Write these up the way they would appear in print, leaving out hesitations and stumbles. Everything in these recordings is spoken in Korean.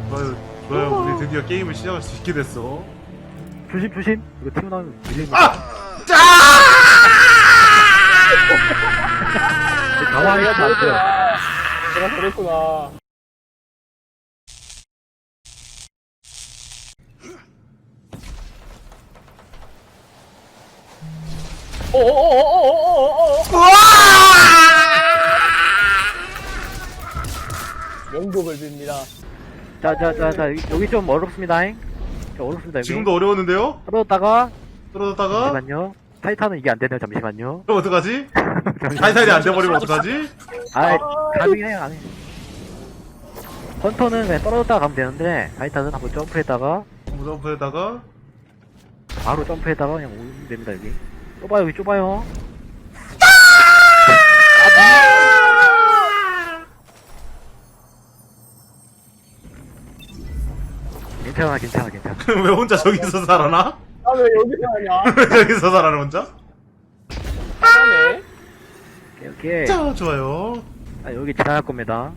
뭐야, 우리 드디어 게임을 시작할 수 있게 됐어. 조심 조심. 이거 튀어나오면 밀립니다. 아! 짜! 가만히 있으면 안 돼요. 내가 그랬구나. 오오오오오오오오. 명복을 빕니다. 자자자자 여기 좀 어렵습니다잉. 어렵습니다 여기. 지금도 어려웠는데요? 떨어졌다가 떨어졌다가? 잠시만요. 타이탄은 이게 안 되네요. 잠시만요. 그럼 어떡하지? 타이탄이 안 돼버리면 어떡하지? 아이 가능해요 안 해. 헌터는 그냥 떨어졌다가 가면 되는데 타이탄은 한번 점프했다가 점프에다가 바로 점프했다가 그냥 오면 됩니다 여기. 좁아요 여기 좁아요. 괜찮아 괜찮아 괜찮아. 왜 혼자 저기서 살아나? 나 왜 여기서 하냐? 왜 저기서 살아나 혼자? 하네. 오케이 오케이. 자, 좋아요. 아 여기 지나갈 겁니다.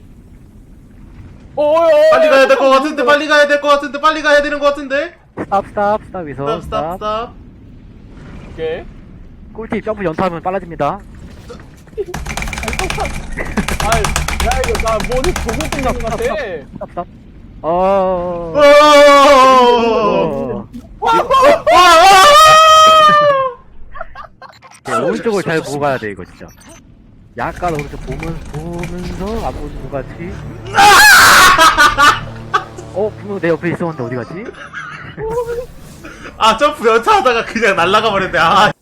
오요. 빨리 가야 될 것 같은데, 빨리 가야 될 것 같은데, 빨리 가야 되는 것 같은데? 스탑 스탑에서 스탑, 스탑. 오케이. 꿀팁 점프 연타하면 빨라집니다. 아, 야 이거 나 머리 보고 끝난 것 같아. 스탑. 오! 네, 오른쪽을 잘 보고 가야 돼 이거 진짜. 약간 오른쪽 보면서 안 보는 것 같이. 분명 내 옆에 있었는데 어디 갔지? 아, 점프 연타하다가 그냥 날아가 버렸네. 아,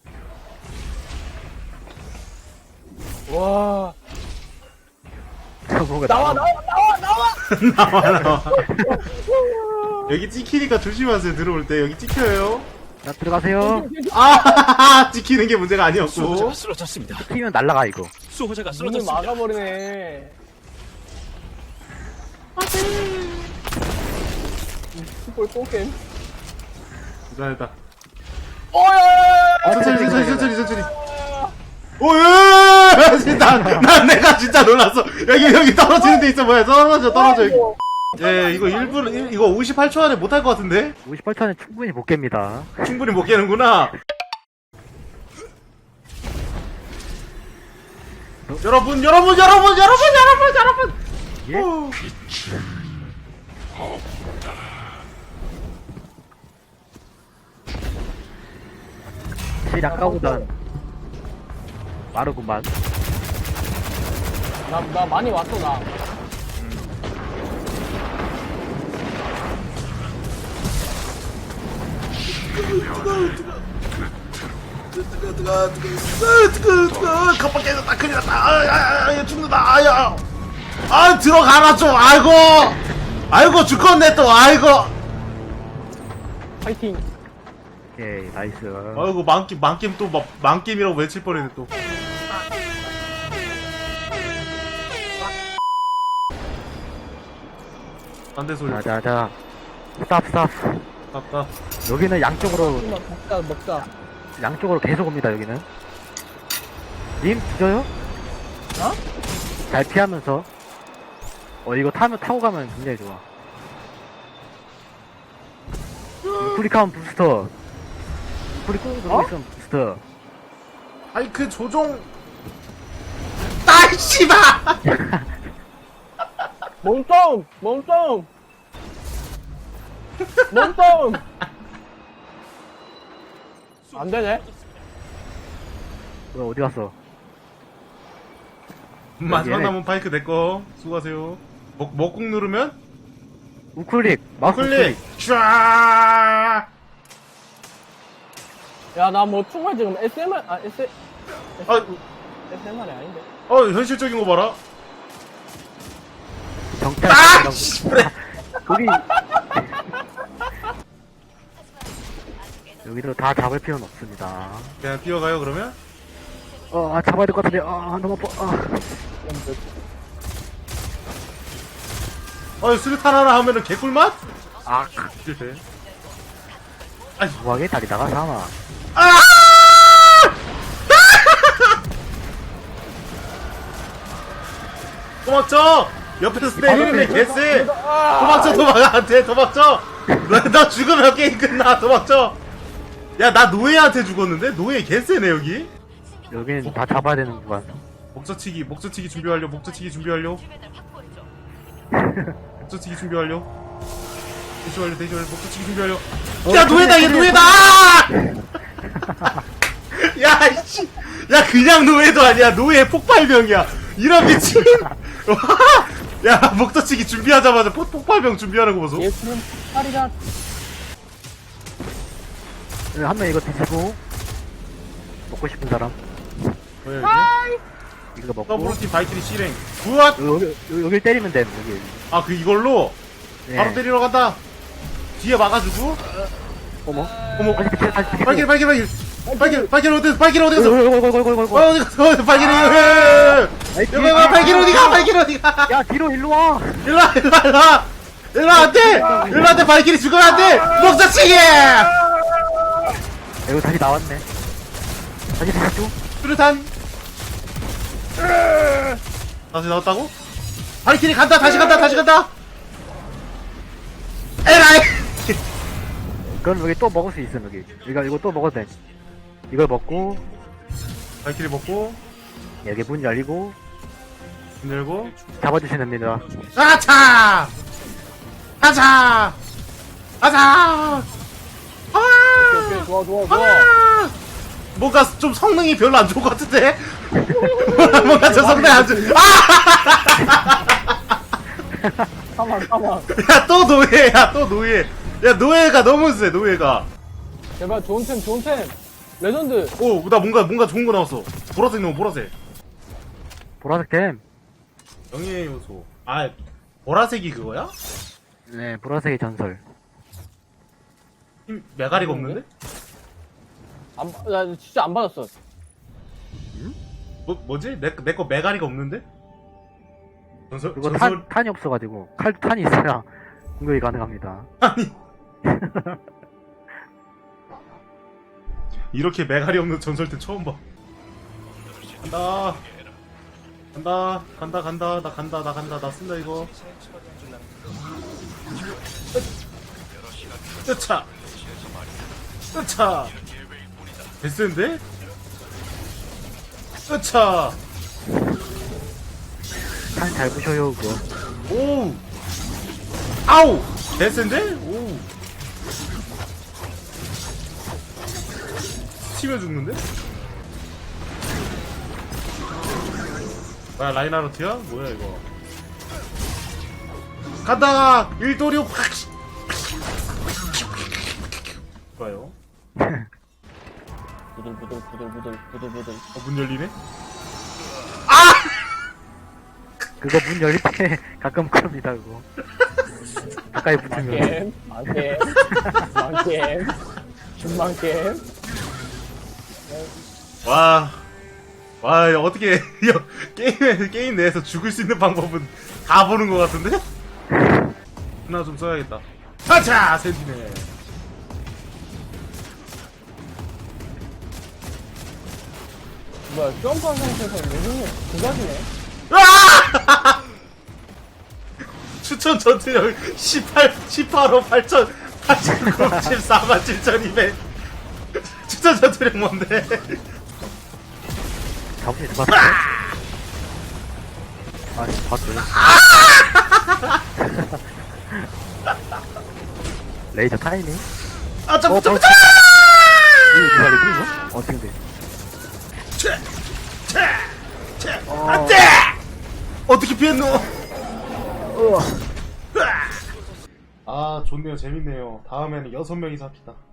와. 뭐가 나와. 나와. 여기 찍히니까 조심하세요, 들어올 때. 여기 찍혀요. 자 들어가세요. 아, 찍히는 게 문제가 아니었고. 수호자가 쓰러졌습니다. 튀면 날라가 이거. 수호자가 문을 쓰러졌습니다. 막아버리네. 슈퍼 똥겜. 기다렸다. 오야. 천천히. 오예! 난 내가 진짜 놀랐어. 여기 떨어지는 데 있어. 뭐야? 떨어져. 여기. 예, 이거 1분, 이거 58초 안에 못할 것 같은데? 58초는 충분히 못 깹니다. 충분히 못 깨는구나. 여러분! 예? 오. 실 아까보단 빠르구만. 나 많이 왔어 나. 뜨거. 컵밥 깨졌다. 큰일 났다. 죽는다. 들어가라 좀. 아이고, 죽겠네 또. 아이고. 파이팅. 오케이 나이스. 아이고, 만겜 또, 만겜이라고 외칠 뻔했네 또. 반대 소리. 자자자. 스탑. 아까. 여기는 양쪽으로 먹자. 계속 옵니다 여기는. 님 뒤져요? 어? 잘 피하면서. 이거 타고 가면 굉장히 좋아. 프리카운 부스터. 프리 꾹 누르고 있으면 부스터. 아이, 그 조종. 아이, 씨발! 몸통. 안 되네. 뭐야 어디 갔어? 마지막 얘네. 남은 파이크 내꺼. 수고하세요. 먹꾹 누르면? 우클릭 마우스 클릭! 쫙! 야 나 뭐 정말 지금 SMR 아, SMR이 아닌데. 현실적인 거 봐라. 정찰. 아! 씨발! 여기 여기도 다 잡을 필요는 없습니다. 그냥 뛰어가요, 그러면? 잡아야 될 것 같은데. 너무 아파. 수류탄 하나 하면은 개꿀맛? 실패. 뭐하게 다리 나가서 하나. 고맙죠? 옆에서 때리는데 개쎄. 도망쳐 도망가 안돼 도망쳐. 너 죽으면 게임 끝나 도망쳐. 야 나 노예한테 죽었는데 노예 개쎄네 여기. 여기는 다 잡아야 되는 구간. 목젖치기 준비 완료. 목젖치기 준비 완료. 목젖치기 준비 완료. 대시 완료. 목젖치기 준비 완료. 야 노예다 얘 노예다. 야 이씨. 야 그냥 노예도 아니야. 노예 폭발병이야. 이런 미친. 야 목젖치기 준비하자마자 폭발병 준비하는 거 보소. 예수는 팔이다. 한 명 이거 드시고 먹고 싶은 사람 뭐야 이게? 이거 먹고 더블로팀 바이트리 실행. 굿. 여길 때리면 돼 여기. 아 그 이걸로 네. 바로 때리러 간다. 뒤에 막아주고. 어머 어머. 다시 발길 어디 갔어? 발길 어디 갔어? 어이구 어디 갔어? 발길이 여기 발길 어디가? 야 뒤로 일로 와. 일로 안돼 발길이 죽으면 안돼. 목젖치기. 이거 다시 나왔네. 다시 줘. 뚜렷한. 다시 나왔다고? 발길이 간다. 다시 간다. 에라이. 그럼 여기 또 먹을 수 있어 여기. 이거 또 먹어도 돼. 이걸 먹고 발길이 먹고 여기 문 열리고 문 열고. 잡아주시면 됩니다. 아차. 아. 오케이, 좋아. 아! 뭔가 좀 성능이 별로 안 좋은 것 같은데? 뭔가 저 성능 안 좋. 가만. 야, 또 노예. 야, 노예가 너무 세, 노예가. 제발 좋은 템. 레전드. 오, 나 뭔가 좋은 거 나왔어. 보라색 너무 보라색. 보라색 템. 영예의 요소. 아, 보라색이 그거야? 네 보라색의 전설. 힘, 메가리가 없는데? 나 진짜 안 받았어. 뭐지? 내 거 메가리가 없는데? 그거 탄이 없어가지고 탄이 있어야 공격이 가능합니다. 아니. 이렇게 메가리 없는 전설때 처음 봐. 간다. 나 쓴다, 이거. 으차. 됐는데? 으차. 탄 잘 부셔요 그거. 오. 아우. 됐는데? 오. 치면 죽는데? 뭐야 라인하르트야? 뭐야 이거? 간다! 일도류 확! 좋아요. 부들부들. 문 열리네? 그거 문 열릴 때 가끔 그럽니다 그거. 가까이 붙으면. 만겜. 준만겜. 와, 어떻게, 게임 내에서 죽을 수 있는 방법은 다 보는 것 같은데? 하나 좀 써야겠다. 하차! 센티넬. 뭐야, 점프한 상태에서 레전드 두 가지네. 으아! 추천 전투력 18호 14만 7,200. 추천 전투력 뭔데? 잡으시 들어봤어? 봤어요. 레이저 타이밍? 점프! 이거 누가 이거? 어떻게 돼? 안 돼! 어떻게 피했노? 아, 좋네요. 재밌네요. 다음에는 6명이서 합시다.